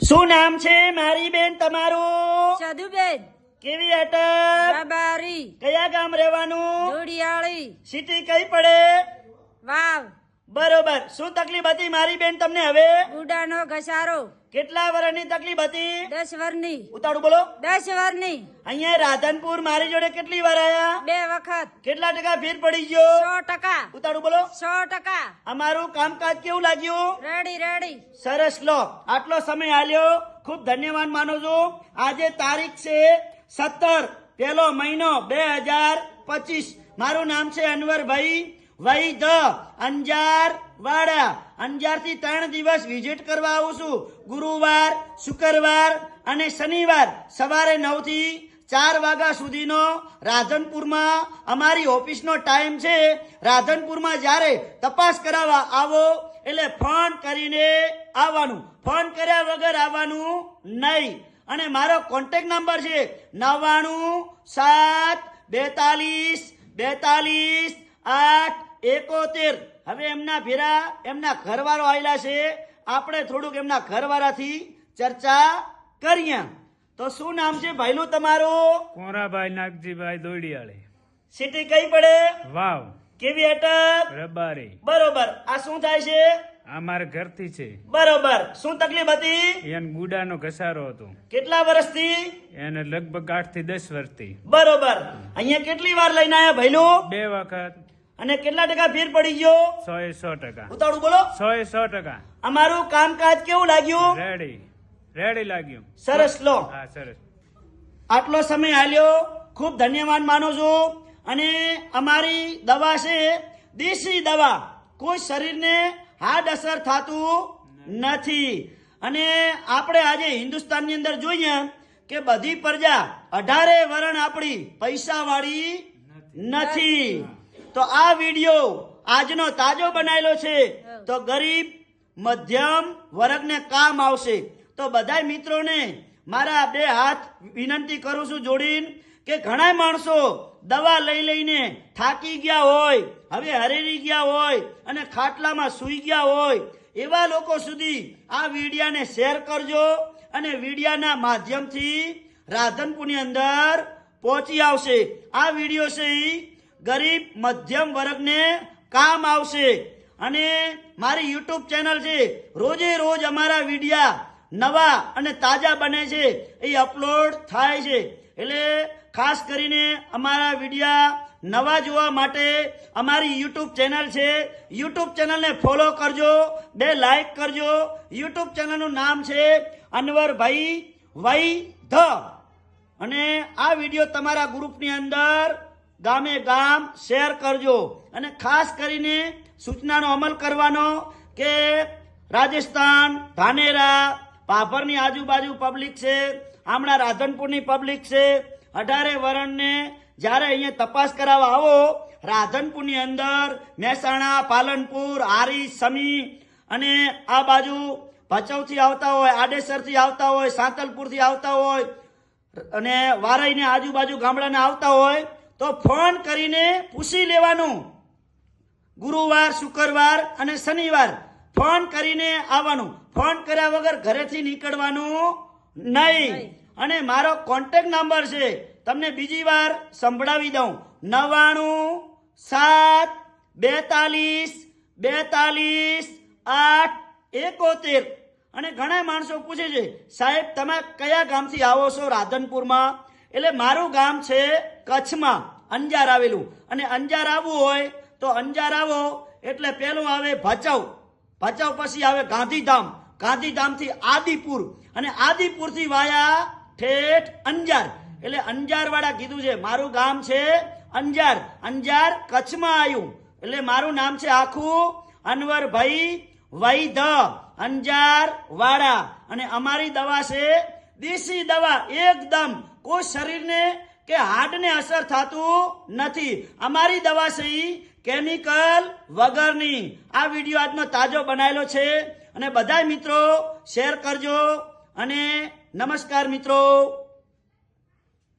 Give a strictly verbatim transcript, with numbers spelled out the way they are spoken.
શું નામ છે મારી બેન તમારું? સાધુબેન કેવી અટક? રબારી કયા ગામ રહેવાનું? જોડિયાળી સિટી કઈ પડે? વાવ બરોબર. શું તકલીફ હતી મારી બેન તમને હવે? ગુડાનો ઘસારો કેટલા વર્ષની તકલીફ હતી? દસ વર્ષની ઉતાળું બોલો. દસ વર્ષની અહીંયા રાધનપુર મારી જોડે કેટલી વાર આયા? બે વખત કેટલા ટકા ફેર પડી ગયો? સો ટકા ઉતાળું બોલો. સો ટકા અમારું કામકાજ કેવું લાગ્યું? રેડી રેડી સરસ. લો આટલો સમય આલ્યો, ખૂબ ધન્યવાદ માનું છું. આજે તારીખ છે સત્તર પેલો મહિનો બે હજાર પચીસ. મારું નામ છે અનવરભાઈ વૈદ અંજાર વાડા. અંજાર થી ત્રણ દિવસ વિઝિટ કરવા આવું છું. ગુરુવાર, શુક્રવાર અને શનિવાર સવારે નવ થી ચાર વાગ્યા સુધીનો રાધનપુરમાં અમારી ઓફિસનો ટાઈમ છે. રાધનપુરમાં જ્યારે તપાસ કરાવવા આવો એટલે ફોન કરીને આવવાનું, ફોન કર્યા વગર આવવાનું નહીં. અને મારો કોન્ટેક્ટ નંબર છે નવ્વાણું સાત બેતાલીસ બેતાલીસ આઠ એકોતેર. હવે એમના ભેરા એમના ઘરવાળો આવેલા છે, આપણે થોડુંક એમના ઘરવાળાથી ચર્ચા કરીએ. તો શું નામ છે ભાઈલું તમારું? કોરાભાઈ નાગજીભાઈ દોડિયાળી. સિટી કઈ પડે? વાવ કેવી અટક? રબારી. બરોબર. આ શું થાય છે? આ મારા ઘરથી છે. બરોબર. શું તકલીફ હતી? એને ગુડાનો ઘસારો હતો. કેટલા વર્ષથી? એને લગભગ આઠ થી દસ વર્ષથી. બરોબર. અહીંયા કેટલી વાર લઈને આયા ભાઈલું? બે વખત. અને કેટલા ટકા ફેર પડી ગયો? સો એ સો ટકા. ઉતાળું બોલો. સો એ સો ટકા. અમારું કામકાજ કેવું લાગ્યું? રેડી રેડી લાગ્યું. સરસ. લો હા સરસ. આટલો સમય આલ્યો, ખૂબ ધન્યવાદ માનું છું. અને અમારી દવા છે દેશી દવા, કોઈ શરીરને હાર્ડ અસર થતું નથી. અને આપણે આજે હિન્દુસ્તાનની અંદર જોઈએ કે બધી પ્રજા અઢારે વરણ આપણી પૈસા વાળી નથી. તો આ વિડીયો આજનો તાજો બનાવેલો છે તો ગરીબ મધ્યમ વર્ગને કામ આવશે. તો બધા મિત્રોને મારા બે હાથ વિનંતી કરું છું જોડીને કે ઘણા માણસો દવા લઈ લઈને થાકી ગયા હોય, હવે હરેરી ગયા હોય અને ખાટલામાં સૂઈ ગયા હોય, એવા લોકો સુધી આ વિડિયાને શેર કરજો. અને વિડિયાના માધ્યમથી રાધનપુરની અંદર પહોંચી આવશે. આ વિડીયો છે એ ગરીબ મધ્યમ વર્ગને કામ આવશે. અને મારી યુટ્યુબ ચેનલ છે, રોજે રોજ અમારા વિડિયા નવા અને તાજા બને છે, એ અપલોડ થાય છે. એટલે ખાસ કરીને અમારા વિડિયા નવા જોવા માટે અમારી યુટ્યુબ ચેનલ છે, યુટ્યુબ ચેનલને ફોલો કરજો, બે લાઈક કરજો. યુટ્યુબ ચેનલનું નામ છે અનવરભાઈ વૈદ. અને આ વિડીયો તમારા ગ્રુપની અંદર ગામે ગામ શેર કરજો. અને ખાસ કરીને સૂચનાનો અમલ કરવાનો કે રાજસ્થાન, ધાનેરા, પાભરની આજુબાજુ પબ્લિક છે, હમણાં રાધનપુરની પબ્લિક છે, અઢારે વરણને જ્યારે અહીંયા તપાસ કરાવવા આવો રાધનપુરની અંદર મહેસાણા, પાલનપુર, હારી, સમી અને આ બાજુ ભચાઉથી આવતા હોય, આડેસરથી આવતા હોય, સાંતલપુરથી આવતા હોય અને વારાઈને આજુબાજુ ગામડાના આવતા હોય તો ફોન કરીને પૂછી લેવાનું. ગુરુવાર, શુક્રવાર અને શનિવાર ફોન કરીને આવવાનું. ફોન કર્યા વગર ઘરેથી નીકળવાનું નહીં. અને મારો કોન્ટેક્ટ નંબર છે, તમને બીજી વાર સંભળાવી દઉં, નવ્વાણું સાત બેતાલીસ બેતાલીસ આઠ એકોતેર. અને ઘણા માણસો પૂછે છે સાહેબ તમે કયા ગામથી આવો છો રાધનપુરમાં? એટલે મારું ગામ છે કચ્છમાં અંજાર આવેલું. અને અંજાર આવવું હોય તો અંજાર આવો એટલે પેલું આવે ભચાઉ, ભચાઉ પછી આવે ગાંધીધામ, ગાંધીધામથી આદિપુર અને આદિપુરથી વાયા ઠેઠ અંજાર. એટલે અંજાર વાળા કીધું છે મારું ગામ છે અંજાર, અંજાર કચ્છમાં આવ્યું. એટલે મારું નામ છે આખું અનવરભાઈ વૈદ અંજાર વાડા. અને અમારી દવા છે દેશી દવા, એકદમ કોઈ શરીરને કે હાર્ટને અસર થતું નથી. અમારી દવા છે ઈ કેમિકલ વગરની. આ વિડીયો આજનો તાજો બનાવેલો છે અને બધા મિત્રો શેર કરજો. અને નમસ્કાર મિત્રો.